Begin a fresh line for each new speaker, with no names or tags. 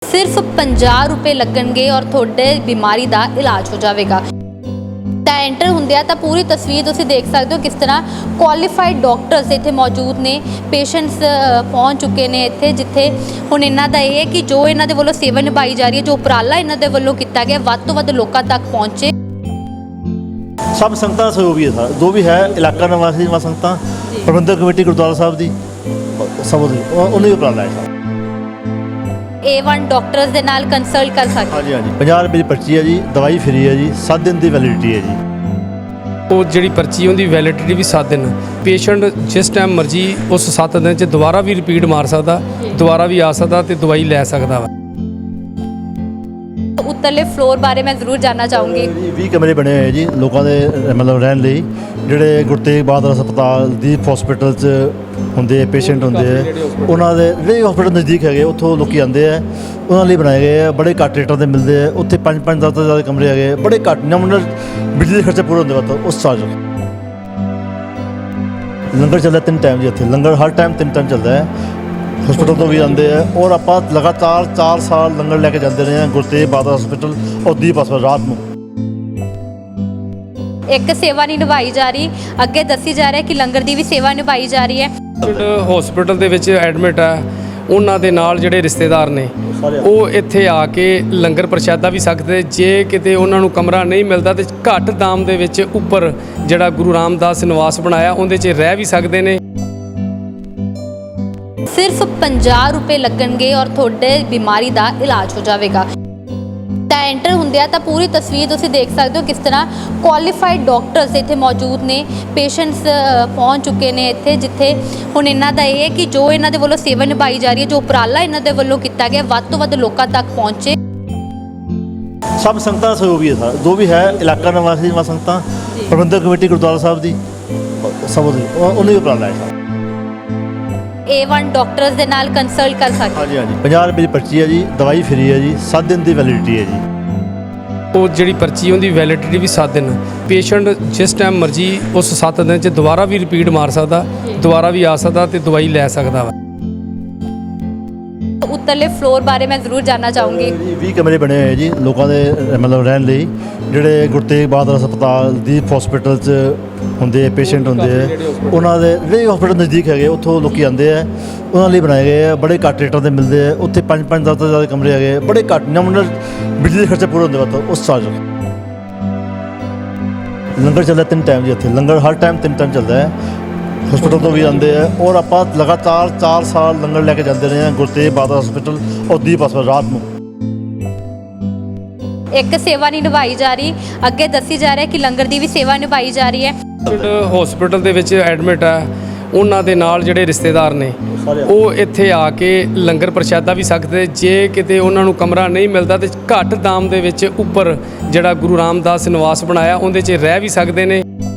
सिर्फ 50 रुपए लगणगे और थोड़े बीमारी का इलाज हो जाएगा। ਤਾਂ ਐਂਟਰ ਹੁੰਦਿਆ ਤਾਂ ਪੂਰੀ ਤਸਵੀਰ ਤੁਸੀਂ ਦੇਖ ਸਕਦੇ ਹੋ ਕਿਸ ਤਰ੍ਹਾਂ ਕੁਆਲੀਫਾਈਡ ਡਾਕਟਰਸ ਇੱਥੇ ਮੌਜੂਦ ਨੇ। ਪੇਸ਼ੈਂਟਸ ਪਹੁੰਚ ਚੁੱਕੇ ਨੇ ਇੱਥੇ, ਜਿੱਥੇ ਹੁਣ ਇਹਨਾਂ ਦਾ ਇਹ ਹੈ ਕਿ ਜੋ ਇਹਨਾਂ ਦੇ ਵੱਲੋਂ ਸੇਵਾ ਨਿਭਾਈ ਜਾ ਰਹੀ ਹੈ, ਜੋ ਉਪਰਾਲਾ ਇਹਨਾਂ ਦੇ ਵੱਲੋਂ ਕੀਤਾ ਗਿਆ, ਵੱਧ ਤੋਂ ਵੱਧ ਲੋਕਾਂ ਤੱਕ ਪਹੁੰਚੇ।
सब संगतां ਦਾ ਸਹਿਯੋਗ ਵੀ ਹੈ ਜੋ ਵੀ ਹੈ ਇਲਾਕਾ ਨਿਵਾਸੀ ਸੰਗਤਾਂ, ਪ੍ਰਬੰਧਕ ਕਮੇਟੀ ਗੁਰਦੁਆਰਾ ਸਾਹਿਬ ਦੀ ਸਭ ਉਹਨਾਂ ਹੀ ਉਪਰਾਲਾ ਹੈ।
A1 ਡਾਕਟਰਸ ਦੇ ਨਾਲ ਕੰਸਲਟ ਕਰ ਸਕਦੇ।
ਹਾਂਜੀ ਹਾਂਜੀ 50 ਰੁਪਏ ਦੀ ਪਰਚੀ ਹੈ ਜੀ, ਦਵਾਈ ਫ੍ਰੀ ਹੈ ਜੀ, 7 ਦਿਨ ਦੀ ਵੈਲਿਡਿਟੀ ਹੈ ਜੀ।
ਉਹ ਜਿਹੜੀ ਪਰਚੀ ਉਹਦੀ ਵੈਲਿਡਿਟੀ ਵੀ 7 ਦਿਨ। ਪੇਸ਼ੈਂਟ ਜਿਸ ਟਾਈਮ ਮਰਜ਼ੀ ਉਸ 7 ਦਿਨ 'ਚ ਦੁਬਾਰਾ ਵੀ ਰਿਪੀਟ ਮਾਰ ਸਕਦਾ, ਦੁਬਾਰਾ ਵੀ ਆ ਸਕਦਾ ਤੇ ਦਵਾਈ ਲੈ ਸਕਦਾ ਵਾ।
ਉੱਤਰਲੇ ਫਲੋਰ ਬਾਰੇ ਮੈਂ ਜ਼ਰੂਰ ਜਾਨਣਾ ਚਾਹੂੰਗੀ।
20 ਕਮਰੇ ਬਣੇ ਹੋਏ ਜੀ ਲੋਕਾਂ ਦੇ ਮਤਲਬ ਰਹਿਣ ਲਈ, ਜਿਹੜੇ ਗੁਰੂ ਤੇਗ ਬਹਾਦਰ ਹਸਪਤਾਲ ਦੀਪ ਹਸਪੀਟਲ 'ਚ ਹੁੰਦੇ ਪੇਸ਼ੈਂਟ ਹੁੰਦੇ ਆ, ਉਹਨਾਂ ਦੇ ਜਿਹੜੇ ਹਸਪੀਟਲ ਨਜ਼ਦੀਕ ਹੈਗੇ ਉੱਥੋਂ ਲੋਕੀ ਆਉਂਦੇ ਆ, ਉਹਨਾਂ ਲਈ ਬਣਾਏ ਗਏ ਆ। ਬੜੇ ਘੱਟ ਰੇਟਾਂ 'ਤੇ ਮਿਲਦੇ ਆ ਉੱਥੇ। 5-5 10 ਤੋਂ ਜ਼ਿਆਦਾ ਕਮਰੇ ਹੈਗੇ, ਬੜੇ ਘੱਟ ਨਮੂਨਲ ਬਿਜਲੀ ਦੇ ਖਰਚੇ ਪੂਰੇ ਹੁੰਦੇ ਵਾ ਉਸ ਚਾਰਜ। ਲੰਗਰ ਚੱਲਦਾ 3 ਟਾਈਮ ਜੀ ਇੱਥੇ, ਲੰਗਰ ਹਰ ਟਾਈਮ 3 ਟਾਈਮ ਚੱਲਦਾ ਹੈ। ਹਸਪੀਟਲ ਤੋਂ ਵੀ ਆਉਂਦੇ ਆ ਔਰ ਆਪਾਂ ਲਗਾਤਾਰ 4 ਸਾਲ ਲੰਗਰ ਲੈ ਕੇ ਜਾਂਦੇ ਰਹੇ ਹਾਂ ਗੁਰੂ ਤੇਗ ਬਹਾਦਰ ਹਸਪੀਟਲ ਔਰ ਦੀਪ ਹਸਪਤਾਲ ਰਾਤ ਨੂੰ।
ਇੱਕ ਸੇਵਾ ਨਹੀਂ ਨਿਭਾਈ ਜਾ ਰਹੀ, ਅੱਗੇ ਦੱਸੀ ਜਾ ਰਿਹਾ ਕਿ ਲੰਗਰ ਦੀ ਵੀ ਸੇਵਾ ਨਿਭਾਈ ਜਾ ਰਹੀ ਹੈ।
ਹਸਪੀਟਲ ਦੇ ਵਿੱਚ ਐਡਮਿਟ ਆ, ਉਹਨਾਂ ਦੇ ਨਾਲ ਜਿਹੜੇ ਰਿਸ਼ਤੇਦਾਰ ਨੇ ਉਹ ਇੱਥੇ ਆ ਕੇ ਲੰਗਰ ਪ੍ਰਸ਼ਾਦਾ ਵੀ ਸਕਦੇ। ਜੇ ਕਿਤੇ ਉਹਨਾਂ ਨੂੰ ਕਮਰਾ ਨਹੀਂ ਮਿਲਦਾ ਤੇ ਘੱਟ ਦਾਮ ਦੇ ਵਿੱਚ ਉੱਪਰ ਜਿਹੜਾ ਗੁਰੂ ਰਾਮਦਾਸ ਨਿਵਾਸ ਬਣਾਇਆ ਉਹਦੇ 'ਚ ਰਹਿ ਵੀ ਸਕਦੇ ਨੇ।
ਸਿਰਫ 50 रुपए लगणगे और थोड़े बीमारी का इलाज हो जाएगा। ਤਾਂ ਐਂਟਰ ਹੁੰਦਿਆ ਤਾਂ ਪੂਰੀ ਤਸਵੀਰ ਤੁਸੀਂ ਦੇਖ ਸਕਦੇ ਹੋ ਕਿਸ ਤਰ੍ਹਾਂ ਕੁਆਲੀਫਾਈਡ ਡਾਕਟਰਸ ਇੱਥੇ ਮੌਜੂਦ ਨੇ। ਪੇਸ਼ੈਂਟਸ ਪਹੁੰਚ ਚੁੱਕੇ ਨੇ ਇੱਥੇ, ਜਿੱਥੇ ਹੁਣ ਇਹਨਾਂ ਦਾ ਇਹ ਹੈ ਕਿ ਜੋ ਇਹਨਾਂ ਦੇ ਵੱਲੋਂ ਸੇਵਾ ਨਿਭਾਈ ਜਾ ਰਹੀ ਹੈ, ਜੋ ਉਪਰਾਲਾ ਇਹਨਾਂ ਦੇ ਵੱਲੋਂ ਕੀਤਾ ਗਿਆ, ਵੱਧ ਤੋਂ ਵੱਧ ਲੋਕਾਂ ਤੱਕ ਪਹੁੰਚੇ।
ਸਭ ਸੰਗਤਾਂ ਦਾ ਸਹਿਯੋਗ ਵੀ ਹੈ ਜੋ ਵੀ ਹੈ ਇਲਾਕਾ ਨਿਵਾਸੀ ਸੰਗਤਾਂ, ਪ੍ਰਬੰਧਕ ਕਮੇਟੀ ਗੁਰਦੁਆਰਾ ਸਾਹਿਬ ਦੀ ਸਭ ਉਹਨਾਂ ਹੀ ਉਪਰਾਲਾ ਹੈ।
A1 ਡਾਕਟਰਸ ਦੇ ਨਾਲ ਕੰਸਲਟ ਕਰ ਸਕਦੇ।
ਹਾਂਜੀ ਹਾਂਜੀ 50 ਰੁਪਏ ਦੀ ਪਰਚੀ ਹੈ ਜੀ, ਦਵਾਈ ਫ੍ਰੀ ਹੈ ਜੀ, 7 ਦਿਨ ਦੀ ਵੈਲਿਡਿਟੀ ਹੈ ਜੀ।
ਉਹ ਜਿਹੜੀ ਪਰਚੀ ਉਹਦੀ ਵੈਲਿਡਿਟੀ ਵੀ 7 ਦਿਨ। ਪੇਸ਼ੈਂਟ ਜਿਸ ਟਾਈਮ ਮਰਜ਼ੀ ਉਸ 7 ਦਿਨ 'ਚ ਦੁਬਾਰਾ ਵੀ ਰਿਪੀਟ ਮਾਰ ਸਕਦਾ, ਦੁਬਾਰਾ ਵੀ ਆ ਸਕਦਾ ਤੇ ਦਵਾਈ ਲੈ ਸਕਦਾ ਵਾ।
ਉੱਤਰਲੇ ਫਲੋਰ ਬਾਰੇ ਮੈਂ ਜ਼ਰੂਰ ਜਾਨਣਾ ਚਾਹੂੰਗੀ।
20 ਕਮਰੇ ਬਣੇ ਹੋਏ ਜੀ ਲੋਕਾਂ ਦੇ ਮਤਲਬ ਰਹਿਣ ਲਈ, ਜਿਹੜੇ ਗੁਰੂ ਤੇਗ ਬਹਾਦਰ ਹਸਪਤਾਲ ਦੀਪ ਹਸਪੀਟਲ 'ਚ ਹੁੰਦੇ ਪੇਸ਼ੈਂਟ ਹੁੰਦੇ ਆ, ਉਹਨਾਂ ਦੇ ਜਿਹੜੇ ਹਸਪੀਟਲ ਨਜ਼ਦੀਕ ਹੈਗੇ ਉੱਥੋਂ ਲੋਕੀ ਆਉਂਦੇ ਆ, ਉਹਨਾਂ ਲਈ ਬਣਾਏ ਗਏ ਆ। ਬੜੇ ਘੱਟ ਰੇਟਾਂ 'ਤੇ ਮਿਲਦੇ ਆ ਉੱਥੇ। 5-5 10 ਤੋਂ ਜ਼ਿਆਦਾ ਕਮਰੇ ਹੈਗੇ, ਬੜੇ ਘੱਟ ਨਮੂਨਲ ਬਿਜਲੀ ਦੇ ਖਰਚੇ ਪੂਰੇ ਹੁੰਦੇ ਵਾ ਉਸ ਚਾਰਜ। ਲੰਗਰ ਚੱਲਦਾ 3 ਟਾਈਮ ਜੀ ਇੱਥੇ, ਲੰਗਰ ਹਰ ਟਾਈਮ 3 ਟਾਈਮ ਚੱਲਦਾ ਹੈ। ਹਸਪੀਟਲ ਤੋਂ ਵੀ ਆਉਂਦੇ ਆ ਔਰ ਆਪਾਂ ਲਗਾਤਾਰ 4 ਸਾਲ ਲੰਗਰ ਲੈ ਕੇ ਜਾਂਦੇ ਰਹੇ ਹਾਂ ਗੁਰੂ ਤੇਗ ਬਹਾਦਰ ਹਸਪੀਟਲ ਔਰ ਦੀਪ ਹਸਪਤਾਲ ਰਾਤ ਨੂੰ।
ਇੱਕ ਸੇਵਾ ਨਹੀਂ ਨਿਭਾਈ ਜਾ ਰਹੀ, ਅੱਗੇ ਦੱਸੀ ਜਾ ਰਿਹਾ ਕਿ ਲੰਗਰ ਦੀ ਵੀ ਸੇਵਾ ਨਿਭਾਈ ਜਾ ਰਹੀ ਹੈ।
ਹਸਪੀਟਲ ਦੇ ਵਿੱਚ ਐਡਮਿਟ ਆ, ਉਹਨਾਂ ਦੇ ਨਾਲ ਜਿਹੜੇ ਰਿਸ਼ਤੇਦਾਰ ਨੇ ਉਹ ਇੱਥੇ ਆ ਕੇ ਲੰਗਰ ਪ੍ਰਸ਼ਾਦਾ ਵੀ ਸਕਦੇ। ਜੇ ਕਿਤੇ ਉਹਨਾਂ ਨੂੰ ਕਮਰਾ ਨਹੀਂ ਮਿਲਦਾ ਤੇ ਘੱਟ ਦਾਮ ਦੇ ਵਿੱਚ ਉੱਪਰ ਜਿਹੜਾ ਗੁਰੂ ਰਾਮਦਾਸ ਨਿਵਾਸ ਬਣਾਇਆ ਉਹਦੇ 'ਚ ਰਹਿ ਵੀ ਸਕਦੇ ਨੇ।